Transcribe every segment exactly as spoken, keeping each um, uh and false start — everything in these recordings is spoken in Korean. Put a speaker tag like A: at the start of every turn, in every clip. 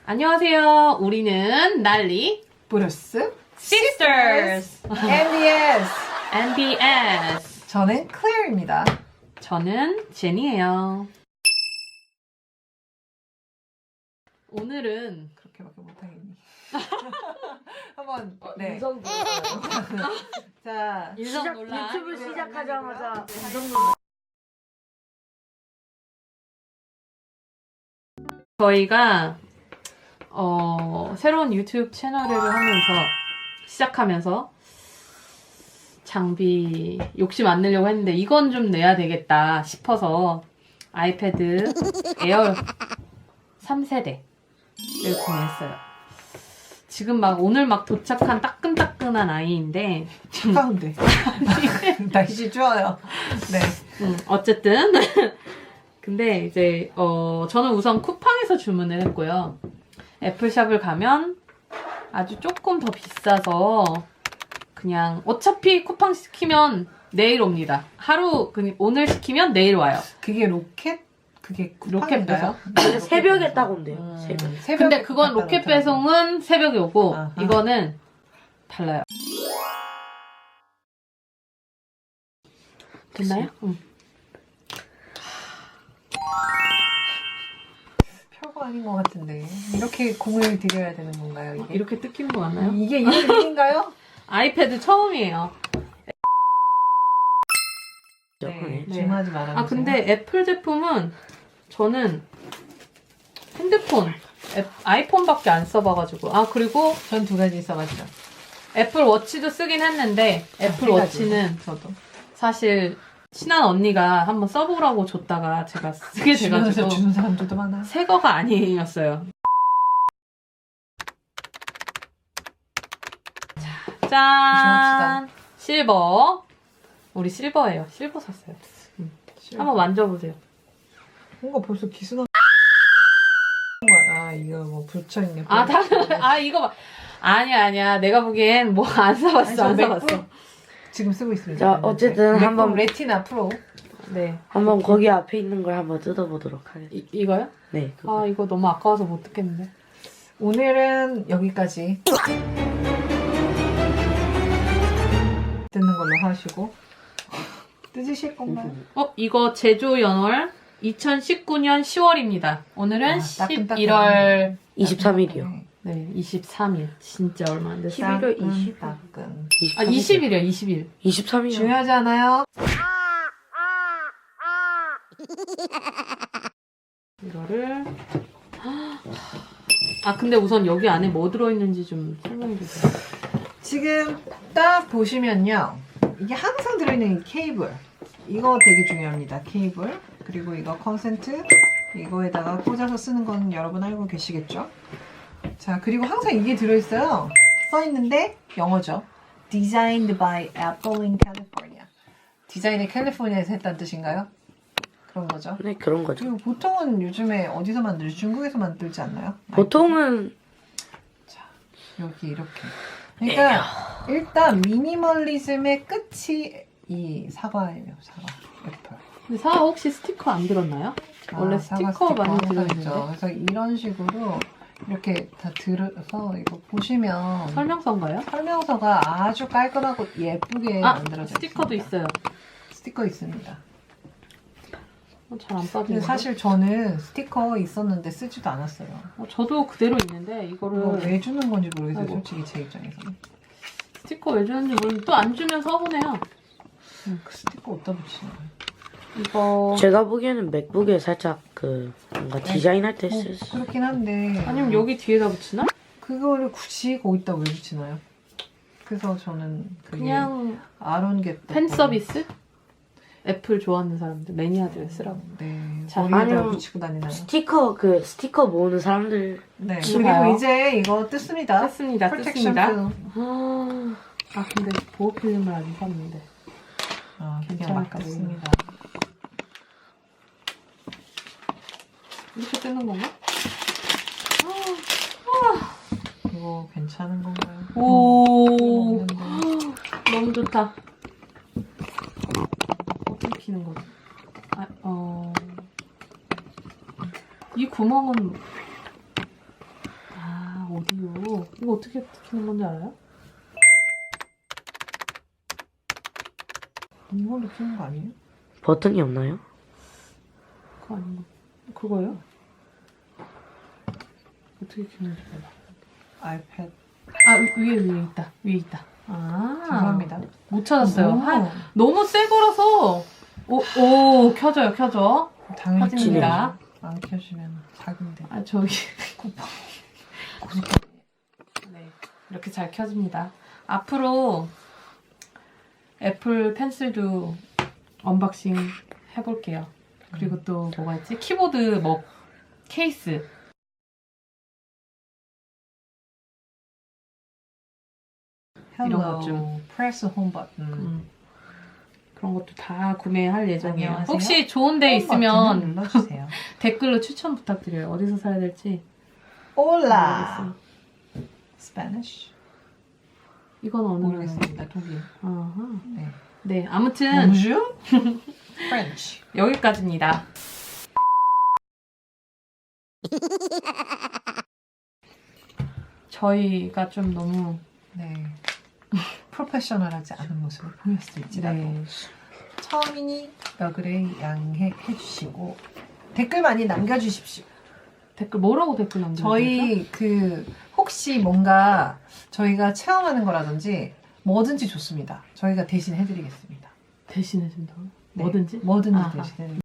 A: 안녕하세요. 우리는 난리
B: 브루스
A: 시스터스
B: 엠비에스
A: 엠비에스.
B: 저는 클레어입니다.
A: 저는 제니예요. 오늘은
B: 그렇게밖에 못하겠니? 한번 네.
C: 인성 논란.
B: 자
A: 인성
C: 시작,
A: 논란.
C: 유튜브 시작하자마자
B: 네.
C: 인성 논란.
A: 저희가 어, 새로운 유튜브 채널을 하면서 시작하면서 장비 욕심 안 내려고 했는데 이건 좀 내야 되겠다 싶어서 아이패드 에어 삼 세대를 구매했어요. 지금 막 오늘 막 도착한 따끈따끈한 아이인데
B: 가운데 날씨 추워요. 네.
A: 음, 어쨌든 근데 이제 어, 저는 우선 쿠팡에서 주문을 했고요. 애플샵을 가면 아주 조금 더 비싸서 그냥 어차피 쿠팡 시키면 내일 옵니다. 하루 그 오늘 시키면 내일 와요.
B: 그게 로켓? 그게
A: 로켓 배송?
C: 근데 새벽에 딱 온대요.
B: 음,
C: 새벽.
B: 새벽에
A: 근데 그건
B: 갖다
A: 로켓
B: 놓더라고요.
A: 배송은 새벽에 오고
B: 아하.
A: 이거는 달라요. 됐나요? 응.
B: 별거 아닌 것 같은데 이렇게 공을 들여야 되는 건가요? 이게?
A: 이렇게 뜯기는 거 맞나요?
B: 이게 이런 일인가요?
A: 아이패드 처음이에요.
B: 네,
A: 네.
B: 줌하지 말아주세요.
A: 아 근데 애플 제품은 저는 핸드폰, 애, 아이폰밖에 안 써봐가지고 아 그리고
B: 전 두 가지 써봤죠.
A: 애플 워치도 쓰긴 했는데 애플
B: 세 가지.
A: 워치는
B: 저도
A: 사실 친한 언니가 한번 써보라고 줬다가 제가 쓰게
B: 주변에서
A: 돼가지고
B: 주는 사람들도 많아요.
A: 새 거가 아니었어요. 자, 짠! 실버. 우리 실버예요. 실버 샀어요. 한번 만져보세요.
B: 뭔가 벌써 기스나. 아 이거 뭐 붙여있네.
A: 아, 다, 아, 이거 봐. 아니야, 아니야. 내가 보기엔 뭐 안 사봤어, 안 사봤어.
B: 지금 쓰고 있습니다.
C: 자, 어쨌든
B: 맥북
C: 한번-
B: 레티나 프로.
A: 네.
C: 한번 거기 앞에 있는 걸 한번 뜯어보도록 하겠습니다.
A: 이, 이거요?
C: 네. 그거.
A: 아, 이거 너무 아까워서 못 듣겠는데.
B: 오늘은 여기까지 듣는 걸로 하시고 뜯으실 건가요?
A: 어, 이거 제조 연월 이천십구 년 시월입니다. 오늘은
B: 아, 따끈따끈하네.
A: 십일월
C: 이십삼 일이요.
B: 네.
A: 네, 이십삼 일. 진짜 얼마 안 됐어요.
C: 십일월
B: 따끈,
C: 이십 일.
B: 따끈.
A: 아, 이십 일이요, 이십 일.
C: 이십삼 일이요.
B: 중요하지 않아요?
A: 이거를. 아, 근데 우선 여기 안에 뭐 들어있는지 좀 설명해 주세요.
B: 지금 딱 보시면요. 이게 항상 들어있는 이 케이블. 이거 되게 중요합니다. 케이블. 그리고 이거 컨센트. 이거에다가 꽂아서 쓰는 건 여러분 알고 계시겠죠? 자, 그리고 항상 이게 들어있어요. 써있는데 영어죠. Designed by Apple in California. 디자인을 캘리포니아에서 했다는 뜻인가요? 그런 거죠.
C: 네, 그런 거죠.
B: 그리고 보통은 요즘에 어디서 만들지? 중국에서 만들지 않나요?
C: 보통은
B: 자, 여기 이렇게. 그러니까 일단 미니멀리즘의 끝이 이 사과예요. 사과. 애플.
A: 근데 사과 혹시 스티커 안 들었나요? 원래
B: 아, 사과
A: 스티커 많이
B: 항상
A: 들어있는데.
B: 있죠. 그래서 이런 식으로 이렇게 다 들어서 이거 보시면
A: 설명서인가요?
B: 설명서가 아주 깔끔하고 예쁘게
A: 아,
B: 만들어져
A: 스티커도
B: 있습니다.
A: 있어요.
B: 스티커 있습니다.
A: 어, 잘 안
B: 근데
A: 빠지네.
B: 사실 저는 스티커 있었는데 쓰지도 않았어요.
A: 어, 저도 그대로 있는데 이거를
B: 이거 왜 주는 건지 모르겠어요.
A: 아이고.
B: 솔직히 제 입장에서는.
A: 스티커 왜 주는지 모르는데 또 안 주면 서운해요.
B: 그 스티커 어디다 붙이는 거예요?
A: 이거
C: 제가 보기에는 맥북에 살짝 그 뭔가 디자인할 때
B: 뭐,
C: 쓸 수.
B: 그렇긴 한데
A: 아니면 여기 뒤에다 붙이나?
B: 그거를 굳이 거기다 왜 붙이나요? 그래서 저는 그게
A: 그냥
B: 아론 게
A: 팬 서비스? 애플 좋아하는 사람들 매니아들 쓰라고.
B: 네.
A: 자,
B: 머리에다
C: 아니면
B: 붙이고 다니나요?
C: 스티커 그 스티커 모으는 사람들.
B: 네.
A: 좋아요.
B: 그리고 이제 이거 뜯습니다.
A: 뜯습니다.
B: 프로텍션
A: 뜯습니다.
B: 필름.
A: 아, 아 근데 보호 필름을 안 샀는데.
B: 아, 그냥
A: 괜찮을까
B: 막 뜯습니다.
A: 이렇게 뜨는 건가?
B: 이거 괜찮은 건가요?
A: 오,
B: 음,
A: 너무 좋다. 어떻게 키는 거지? 아, 어, 이 구멍은 어떻게 키는 건지 알아요?
B: 이걸로 키는 거 아니에요?
C: 버튼이 없나요?
A: 그거 아닌 거. 그거요? 어떻게 키는지 몰라.
B: 아이패드.
A: 아 위- 위에 위에 있다. 위에 있다. 아
B: 죄송합니다.
A: 못 찾았어요.
B: 너무,
A: 한, 너무 새 거라서 오, 오 켜져요 켜져.
B: 당연히
A: 켜집니다.
B: 안 켜주면 사기인데.
A: 아 저기 쿠팡. 네 이렇게 잘 켜집니다. 앞으로 애플 펜슬도 언박싱 해볼게요. 그리고 또 뭐가 있지? 키보드 뭐 케이스. 이런 것 좀.
B: Hello. Press home button.
A: 음, 그런 것도 다 구매할 예정이에요.
B: 안녕하세요.
A: 혹시 좋은 데
B: 홈 버튼을
A: 있으면
B: 눌러주세요.
A: 댓글로 추천 부탁드려요. 어디서 사야 될지.
B: Hola.
A: 모르겠어요.
B: Spanish.
A: 이건 어느
B: 모르겠습니다.
A: 나라입니다. 독일. 아하.
B: 네.
A: 네, 아무튼
B: Bonjour. French.
A: 여기까지입니다. 저희가 좀 너무
B: 네. 프로페셔널하지 않은 모습을 보였을지라도
A: 네.
B: 처음이니 너그레이 양해해 주시고 댓글 많이 남겨주십시오.
A: 댓글 뭐라고 댓글 남겨주세요?
B: 저희 그 혹시 뭔가 저희가 체험하는 거라든지 뭐든지 좋습니다. 저희가 대신 해드리겠습니다.
A: 대신해 준다고?
B: 네.
A: 뭐든지?
B: 뭐든지
A: 아하.
B: 대신 해드리겠습니다.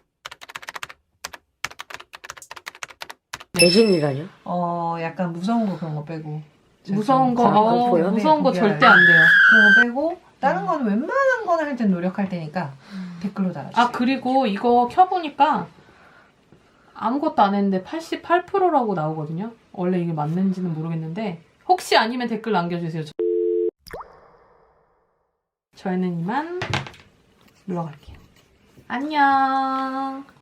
C: 대신이라뇨?
B: 어 약간 무서운 거 그런 거 빼고
A: 무서운 거,
C: 잘
A: 어,
C: 보여요?
A: 무서운 거
B: 네,
A: 절대 안 돼요.
B: 그런 거 빼고 다른 거는 웬만한 거는 할 땐 노력할 테니까 댓글로 달아주세요.
A: 아 그리고 이거 켜보니까 아무것도 안 했는데 팔십팔 퍼센트라고 나오거든요. 원래 이게 맞는지는 모르겠는데 혹시 아니면 댓글 남겨주세요. 저희는 이만 물러갈게요. 안녕.